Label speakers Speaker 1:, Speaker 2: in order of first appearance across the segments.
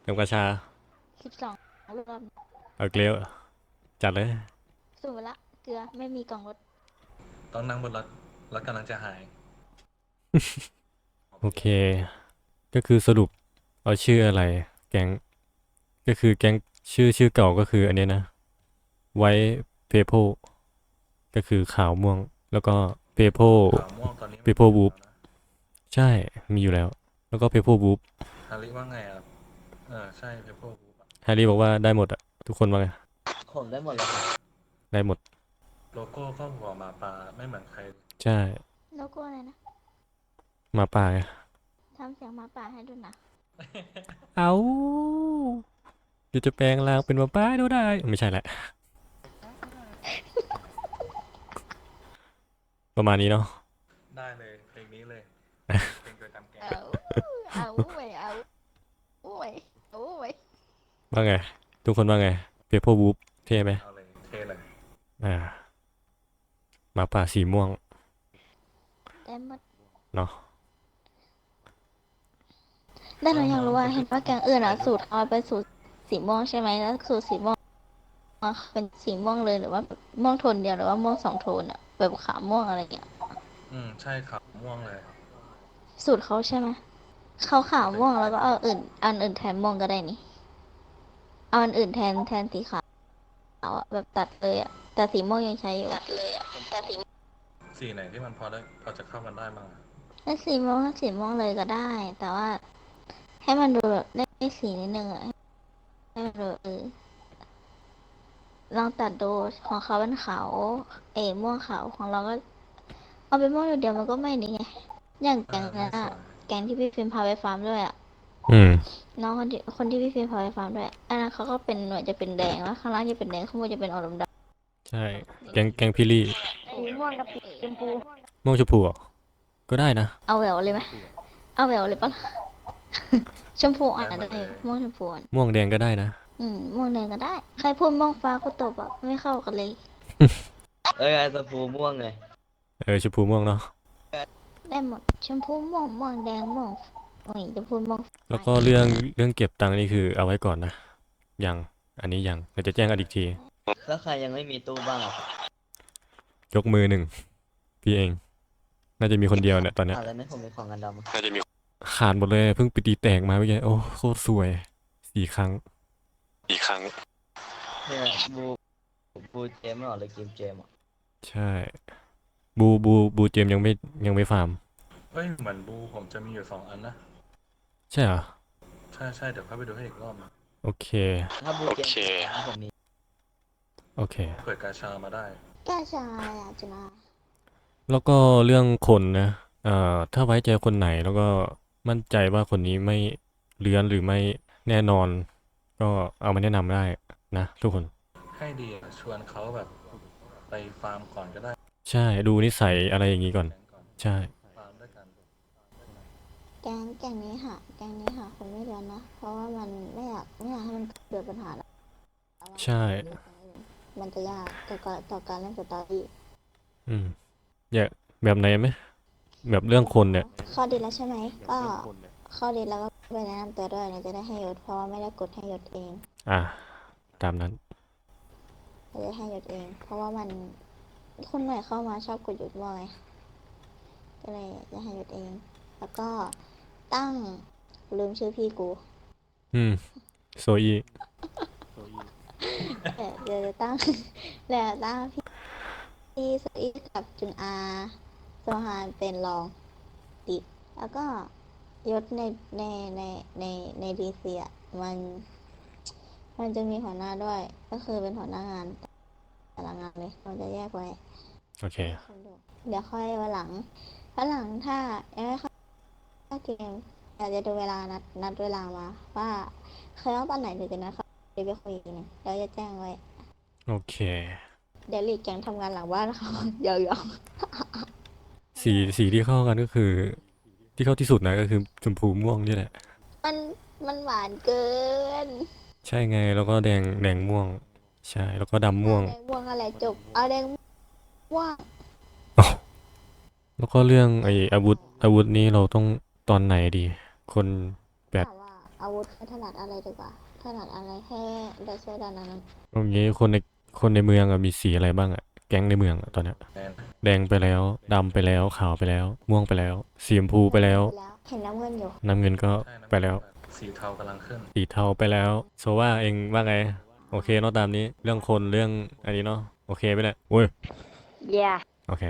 Speaker 1: เติมกระชา
Speaker 2: 12 รอบ
Speaker 1: เอาเกลียวจัดเลย
Speaker 2: สูตรละเกลือไม่มีกล่องรส
Speaker 3: ต้องนั่งบนรถรถกำลังจะหาย
Speaker 1: โอเคก็คือสรุปเอาชื่ออะไรแก๊งก็คือแก๊งชื่อเก่าก็คืออันเนี้ยนะไว้เพโพก็คือขาวม่วงแล้วก็เพโพ
Speaker 3: ขาวม่วงตอนนี้
Speaker 1: เพโพบูฟใช่มีอยู่แล้วแล้วก็เพโพบูฟ
Speaker 3: ฮาริว่าไงอ่ะใช่เพเปอร์บู
Speaker 1: แฮร์รี่บอกว่าได้หมดอะทุกคนว่าไง
Speaker 4: ผมได้หมดเลยครับ
Speaker 1: ได้หมด
Speaker 3: โลโก้ก็หัวหมาป่าไม่เหมือนใคร
Speaker 1: ใช่
Speaker 2: โลโก้อะไรนะ
Speaker 1: หมาป่าไง
Speaker 2: ทำเสียงหมาป่าให้ดูนะ
Speaker 1: เอาเดี๋ยวจะแปลงร่างเป็นหมาป่าดูได้ไม่ใช่แหละประมาณนี้เนาะ
Speaker 3: ได้เลยเพลงนี้เลยเพลงโดยตามแกง
Speaker 2: เอาไว้เอาไว้เอาไว้
Speaker 1: ว่าไงทุกคนว่าไงเพโพบูฟเท่ไหม
Speaker 3: เอาเลยเท่เลย
Speaker 1: อ่าหมาป่าสีม่วง
Speaker 2: ได้หมด
Speaker 1: เนาะ
Speaker 2: แต่เราอยากรู้ว่าเห็นว่าแกงอื่นอะสูตรเขาเป็นสูตรสีม่วงใช่ไหมแล้วสูตรสีม่วงเป็นสีม่วงเลยหรือว่าแบบม่วงโทนเดียวหรือว่าม่วง2 โทนอะแบบขาวม่วงอะไรอย่างเงี้ย
Speaker 3: ใช่ขาวม่วงเลย
Speaker 2: สูตรเขาใช่ไหมเขาขาว
Speaker 3: ค
Speaker 2: ม่วง
Speaker 3: ล้าย
Speaker 2: แล้วก็เอาอันอื่นแทนม่วงก็ได้นี่เอาอันอื่นแทนสีขาวอะแบบตัดเลยอะแต่สีม่วงยังใช้อยู่ตัดเลยอะแต่สี
Speaker 3: ๆสีไหนที่มันพอจะเข้ากันได้บ้างอะ
Speaker 2: สีม่วงเลยก็ได้แต่ว่าให้มันดูแบบได้สีนิดนึงอะให้มันดูลองตัดดูของเขาเป็นขาวม่วงขาวของเราก็เอาเป็นม่วงเดียวมันก็ไม่นี่ไงอย่างแกงนั้นอะ
Speaker 3: ไม่สวย
Speaker 2: แกงที่พี่ฟิล์มพาไปฟาร์มด้วยอะ
Speaker 1: อืม
Speaker 2: น้องคนที่พี่ฟิล์มพาไปฟาร์มด้วยอันนั้นเขาก็เป็นหน่วยจะเป็นแดงแล้วข้างล่างจะเป็นแดงข้างบนจะเป็นออกดำ
Speaker 1: ใช่แกงพี่ลี่
Speaker 2: ๆสีม่วงกับสีชมพู
Speaker 1: ม่วงชมพูเหรอก็ได้นะ
Speaker 2: เอาแหววเลยไหมเอาแหววเลยปะล่ะชมพูอ่อ
Speaker 3: ได้
Speaker 2: นได้
Speaker 3: หมดเลย
Speaker 2: ม่วงชมพูอ่อน
Speaker 1: ม่วงแดงก็ได้นะ
Speaker 2: ม่วงแดงก็ได้ใครพูดม่วงฟ้าก็ตบอ่ะไม่เข้ากันเลย
Speaker 4: ไอ้สพูม่วงไง
Speaker 1: ชมพูม่วงเนาะ
Speaker 2: ได้หมดชมพูม่วงแดงม่วงโอ้ยจะพูดม่วง
Speaker 1: แล้วก็เรื่องเก็บตังค์นี่คือเอาไว้ก่อนนะยังอันนี้ยังเดี๋ยวจะแจ้งกันอีกที
Speaker 4: แล้วใครยังไม่มีตู้บ้างอะครับ
Speaker 1: ยกมือหนึ่งพี่เองน่าจะมีคนเดียวเนี่ยตอนเนี้ย
Speaker 4: แล้วไม่ผมมีของกันดำอะ
Speaker 1: ขาดหมดเลยเพิ่งไปตีแตกมาเมื่อกี้โอ้โคตรสวย4 ครั้ง
Speaker 4: เนี่ยบูเจมส์หรอหรือเกมเจมส์อะ
Speaker 1: ใช่บูเจมยังไม่ฟาร์ม
Speaker 3: เฮ้ยเหมือนบูผมจะมีอยู่2 อันนะ
Speaker 1: ใช่เหรอ
Speaker 3: ใช่เดี๋ยวเข้าไปดูให้อีกรอบนะ
Speaker 1: โอเค
Speaker 4: ถ้าบูเจมส์ผมมี
Speaker 1: โอเค
Speaker 3: เปิดกาชามาได้
Speaker 2: แก้ชายอ่ะจุฬา
Speaker 1: แล้วก็เรื่องคนนะถ้าไว้ใจคนไหนแล้วก็มั่นใจว่าคนนี้ไม่เลื้อนหรือไม่แน่นอนก็เอามาแนะนำได้นะทุกคน
Speaker 3: ให้ดีอะชวนเขาแบบไปฟาร์มก่อนก็ได้
Speaker 1: ใช่ดูนิสัยอะไรอย่างนี้ก่อน
Speaker 3: แก๊งก่อน
Speaker 1: ใช่
Speaker 3: ฟาร์มด้วยกัน
Speaker 2: แกงนี้ค่ะคนไม่เรียนนะเพราะว่ามันไม่อยากให้มันเกิดปัญหาแล้วว่า
Speaker 1: ใช่
Speaker 2: ถ้ามันเรียนแกงอื่นมันจะยากต่อการเล่นสตอรี่
Speaker 1: อืมอยากแบบไหนไหมแบบเรื่องคนเนี่ย
Speaker 2: ข้อดีแล้วใช่ไหมก็ข้อดีแล้วก็ไปแนะนำตัวด้วยเนี่ยจะได้ให้ยศเพราะว่าไม่ได้กดให้ยศเอง
Speaker 1: อ่ะตามนั้น
Speaker 2: จะได้ให้ยศเองเพราะว่ามันคนใหม่เข้ามาชอบกดยศบ่อยก็เลยจะให้ยศเองแล้วก็ตั้งลืมชื่อพี่กู
Speaker 1: อืมโซอี
Speaker 2: เดี๋ยวจะตั้งเดี๋ยวจะตั้งพี่สุอีกับจุนอาโซฮานเป็นรองติแล้วก็ยศในในในในดีเซียมันมันจะมีหัวหน้าด้วยก็คือเป็นหัวหน้างานแต่ละงานเลยเราจะแยกไว้
Speaker 1: โอเค
Speaker 2: คนดูเดี๋ยวค่อยวันหลังถ้ายังไม่เข้าเกมอยากจะดูเวลานัดเวลามาว่าเคยว่าตอนไหนเดี๋ยวจะนัดเขาเดี๋ยวไปคุยกันงเดี๋ยวจะแจ้งไว้
Speaker 1: โอเค
Speaker 2: เดี๋ยวหลีกแกงทำงานหลังบ้านเขายาว
Speaker 1: สีที่เข้ากันก็คือที่เข้าที่สุดนะก็คือชมพูม่วงนี่แหละ
Speaker 2: ๆมันหวานเกิน
Speaker 1: ใช่ไงแล้วก็แดงม่วงใช่แล้วก็ดำม่วง
Speaker 2: เอาแดงม่วงอะไรจบเอาแดงม่วง
Speaker 1: อ๋อแล้วก็เรื่องไอ้อาวุธนี้เราต้องตอนไหนดีคนแบบ
Speaker 2: ถามว่าอาวุธไม่ถนัดอะไรดีกว่าถนัดอะไรให้ได้ช่วยด้านนั้น
Speaker 1: ตรงนี้คนในเมืองอะมีสีอะไรบ้างอะแก๊งในเมืองอะตอนเนี้ย
Speaker 3: แน่น
Speaker 1: แดงไปแล้วดำไปแล้วขาวไปแล้ว ม่วงไปแล้วสีชมพูไปแล้ว
Speaker 2: เห็นน้ำเงินอยู่
Speaker 1: น้ำเงินก็
Speaker 3: ใช่นะ
Speaker 1: ไปแล้ว
Speaker 3: สีเทากำลังขึ้น
Speaker 1: สีเทาไปแล้วโซว่าเองว่าไงโอเคเนาะตามนี้เรื่องคนเรื่องอันนี้เนาะโอเคไปเลยโอ้ย
Speaker 2: yeah
Speaker 1: โอเค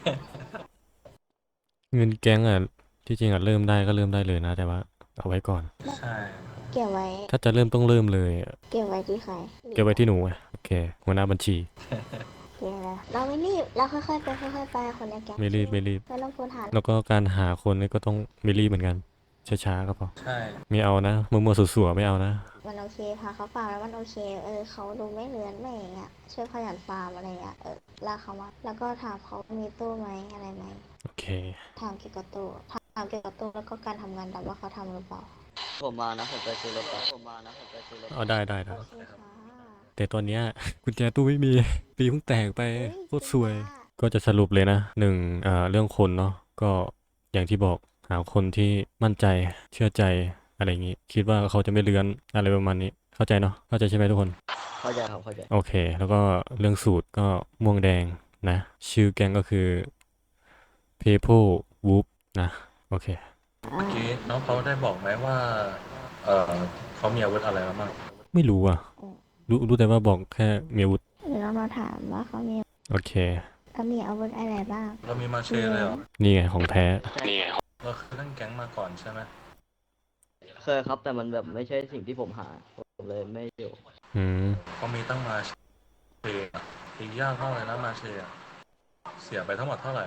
Speaker 1: เงินแก๊งอ่ะที่จริงอ่ะเริ่มได้ก็เริ่มได้เลยนะ แต่ว่าเอาไว้ก่อน
Speaker 3: ใช่
Speaker 2: เก็บไว้
Speaker 1: ถ้าจะเริ่มต้องเริ่มเลยอะ
Speaker 2: เก็บไว้ที่ใคร
Speaker 1: เก็บไว้ที่หนูไงโอเคหัวหน้าบัญชี
Speaker 2: เก็บไว้เราไม่รีบเราค่อยๆไปค่อยๆไปคนในแก๊ง
Speaker 1: ไม่รีบไม่รีบ
Speaker 2: ไม่ต้องพูดหา
Speaker 1: แล้วก็การหาคนนี่ก็ต้องไม่รีบเหมือนกันช้าๆก็พอ
Speaker 3: ใช่
Speaker 1: ไม่เอานะมัวๆสัวๆไม่เอานะ
Speaker 2: มันโอเคพาเขาฟาร์มแล้วมันโอเคเขาดูไม่เลือนไม่อย่างเงี้ยช่วยขยันฟาร์มอะไรเงี้ยลากเขามาแล้วก็ถามเขามีตู้ไหมอะไรไหม
Speaker 1: โอเค
Speaker 2: ถามเกี่ยวกับตู้ถามเกี่ยวกับตู้แล้วก็การทำงานดำว่าเขาทำหรือเปล่า
Speaker 4: ผมมานะผมไปซื้อรถผมมานะผมไปซื้อรถ
Speaker 1: เอาได้ได้ได้
Speaker 2: โอเคค่ะ
Speaker 1: แต่ตอนเนี้ยกุญแจตู้ไม่มีปีเพิ่งแตกไป
Speaker 2: เฮ้ย
Speaker 1: โคตรสวย
Speaker 2: จริงปะ
Speaker 1: ก็จะสรุปเลยนะหนึ่งเรื่องคนเนาะก็อย่างที่บอกหาคนที่มั่นใจเชื่อใจอะไรอย่างงี้คิดว่าเขาจะไม่เลือนอะไรประมาณนี้เข้าใจเนาะเข้าใจใช่ไหมทุกคน
Speaker 4: เข้าใจครับเข้าใจ
Speaker 1: โอเค แล้วก็เรื่องสูตรก็ม่วงแดงนะ ชื่อแก๊งก็คือ People Whoop นะ โอเค
Speaker 3: เมื่อกี้น้องเขาได้บอกไหมว่า เขามีอาวุธอะไรมาบ้าง
Speaker 1: ไม่รู้อ่ะ รู้แต่ว่าบอกแค่มีอาวุธ
Speaker 2: เดี๋ยวเรามาถามว่าเขามี
Speaker 1: โอเค
Speaker 2: อาวุธอะไรบ้าง
Speaker 3: เรามีมาเชเลยเหรอ
Speaker 1: นี่ไงของแท้
Speaker 3: เราเคยเล่นแก๊งมาก่อนใช่ไหม
Speaker 4: เคยครับแต่มันแบบไม่ใช่สิ่งที่ผมหาผมเลยไม่อยู่
Speaker 1: อืม
Speaker 3: เขามีตั้งมาเชอะตียากมากเลยนะมาเชอะเสียไปทั้งหมดเท่าไหร่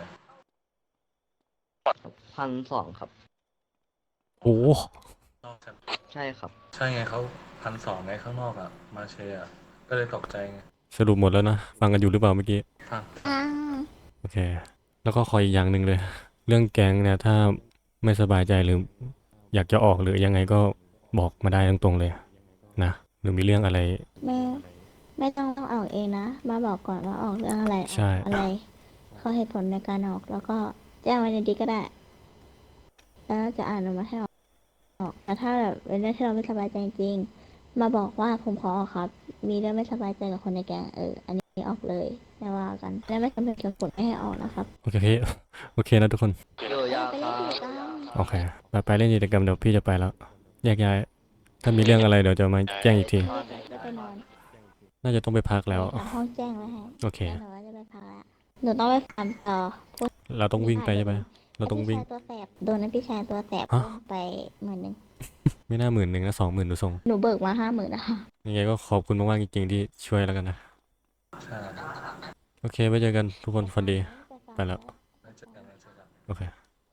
Speaker 4: 1,200ครับ
Speaker 1: โอ้
Speaker 3: นอกจาก
Speaker 4: ใช่ครับ
Speaker 3: ใช่ไงเขา1,200ไงข้างนอกอ่ะ มาเชอะก็เลยตกใจไง
Speaker 1: สรุปหมดแล้วนะ ฟังกันอยู่หรือเปล่าเมื่อกี้
Speaker 3: ฟัง
Speaker 2: อ้าว
Speaker 1: โอเค แล้วก็ขออีกอย่างหนึ่งเลย เรื่องแก๊งเนี่ยถ้าไม่สบายใจหรืออยากจะออกหรือยังไงก็บอกมาได้ตรงๆเลยนะ หรือมีเรื่องอะไร
Speaker 2: ไม่ต้องออกเองนะ มาบอกก่อนว่าออกเรื่องอะไร
Speaker 1: ใช่
Speaker 2: อะไรข้อเหตุผลในการออกแล้วก็แจ้งไว้ในดีก็ได้ แล้วจะอ่านออกมาให้ออกแต่ถ้าแบบเป็นเรื่องที่เราไม่สบายใจจริงๆมาบอกว่าผมขอออกครับ มีเรื่องไม่สบายใจกับคนในแก๊งอันนี้ออกเลยไม่ว่ากันและไม่จำเป็นจะกดไม่ให้ออกนะครับ
Speaker 1: โอเค โอเคนะทุกคน
Speaker 4: ดูยาก
Speaker 2: ไป
Speaker 4: ค
Speaker 2: เล่
Speaker 4: รั
Speaker 2: น
Speaker 4: บ
Speaker 2: กิจกรรม
Speaker 1: โอเค ไปเล่นกิจกรรมเดี๋ยวพี่จะไปแล้ว แยกย้าย ถ้ามีเรื่องอะไรเดี๋ยวจะมาแจ้งอีกที
Speaker 2: จะไปนอน
Speaker 1: น่าจะต้องไปพักแล้ว
Speaker 2: หาห้องแจ้งไว้ให้
Speaker 1: โอเค
Speaker 2: แล้วหนูว่าจะไปพักแล้วหนูต้องไปฟาร์มต่อ
Speaker 1: เราต้องวิ่งไปใช่ไหมเราต้องวิ่ง
Speaker 2: พี่ชายตัวแสบโดนนะพี่ชายตัวแสบ
Speaker 1: ฮะ
Speaker 2: ไป10,000
Speaker 1: ไม่น่า10,000นะ20,000ดูทรง
Speaker 2: หนูเบิกมา50,000นะคะ
Speaker 1: ยังไงก็ขอบคุณมากๆจริงๆที่ช่วยแล้วกันนะ
Speaker 3: ใช่
Speaker 1: โอเคไว้เจอกันทุกคนฝันดี ไปแล้ว
Speaker 3: ไว้เจอกันไว้เจอกัน
Speaker 1: โอเค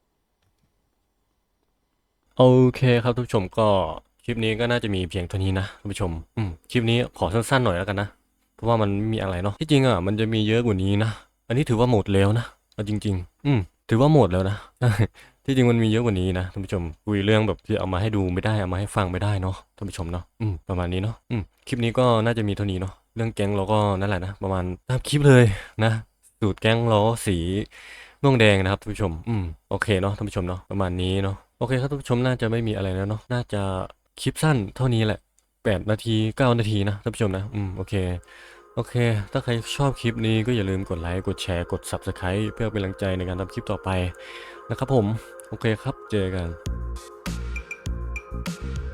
Speaker 1: โอเคครับทุกผู้ชมก็คลิปนี้ก็น่าจะมีเพียงเท่านี้นะท่านผู้ชมคลิปนี้ขอสั้นๆหน่อยแล้วกันนะ เพราะว่ามันไม่มีอะไรเนาะที่จริงอ่ะมันจะมีเยอะกว่านี้นะ อันนี้ถือว่าหมดแล้วนะเอาจริงๆถือว่าหมดแล้วนะ ที่จริงมันมีเยอะกว่านี้นะท่านผู้ชมคุยเรื่องแบบที่เอามาให้ดูไม่ได้เอามาให้ฟังไม่ได้เนาะท่านผู้ชมเนาะประมาณนี้เนาะคลิปนี้ก็น่าจะมีเท่านี้เนาะเรื่องแก๊งเราก็นั่นแหละนะประมาณตามคลิปเลยนะสูตรแก๊งล้อสีม่วงแดงนะครับท่านผู้ชมโอเคเนาะท่านผู้ชมเนาะประมาณนี้เนาะโอเคครับท่านผู้ชมน่าจะไม่มีอะไรแล้วเนาะน่าจะคลิปสั้นเท่านี้แหละ8 นาที 9 นาทีนะท่านผู้ชมนะโอเค โอเค ถ้าใครชอบคลิปนี้ก็อย่าลืมกดไลค์ กดแชร์ กด Subscribe เพื่อเป็นกำลังใจในการทำคลิปต่อไปนะครับผม โอเคครับ เจอกัน